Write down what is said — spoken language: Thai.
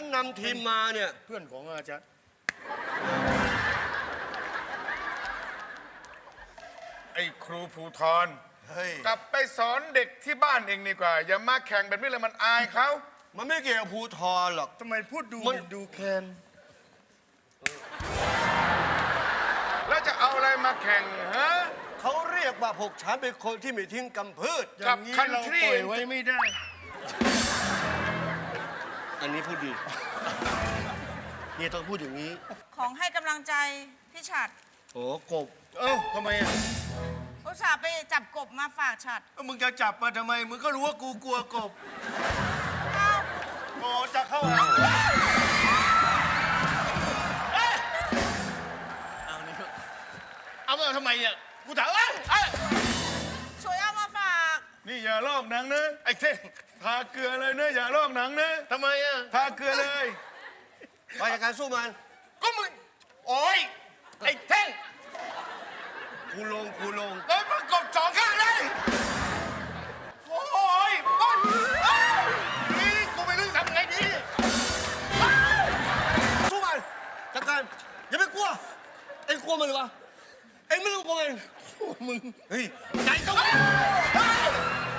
นำทีมมาเนี่ยเพื่อนของอาจารย์ไอ้ครูภูธรกลับไปสอนเด็กที่บ้านเองดีกว่าอย่ามาแข่งแบบนี้เลยมันอายเขามันไม่เกี่ยวกับภูธรหรอกทำไมพูดดูมันดูแคนแล้วจะเอาอะไรมาแข่งฮะเขาเรียกว่าพวกฉันเป็นคนที่ไม่ทิ้งกำพืชกับคันทรีไว้ไม่ได้อันนี้พูดดีนี่ต้องพูดอย่างนี้ของให้กำลังใจพี่ฉัดโอ้กบเอ้าทำไมอ่ะอุตส่าห์ไปจับกบมาฝากฉัดมึงจะจับมาทำไมมึงก็รู้ว่ากูกลัวกบเอ้าโอ้จะเข้าหาเอามาทำไมอ่ะกูถามช่วยเอามาฝากนี่อย่าลอกหนังนะไอ้เท่งทาเกลือเลยนะอย่าลอกหนังนะทำไมอ่ะทาเกลือเลยไปจากการสู้มันก็มึงโอ้ยไอ้เท่งคูลงโดนประกบสองข้างเลยโอ้ยต้นนี่กูไม่รู้ทำไงดีสู้มันจากการอย่าไปกลัวเอ็งกลัวมันหรือวะเอ็งไม่ต้องกลัวมันมึงเฮ้ยใจก็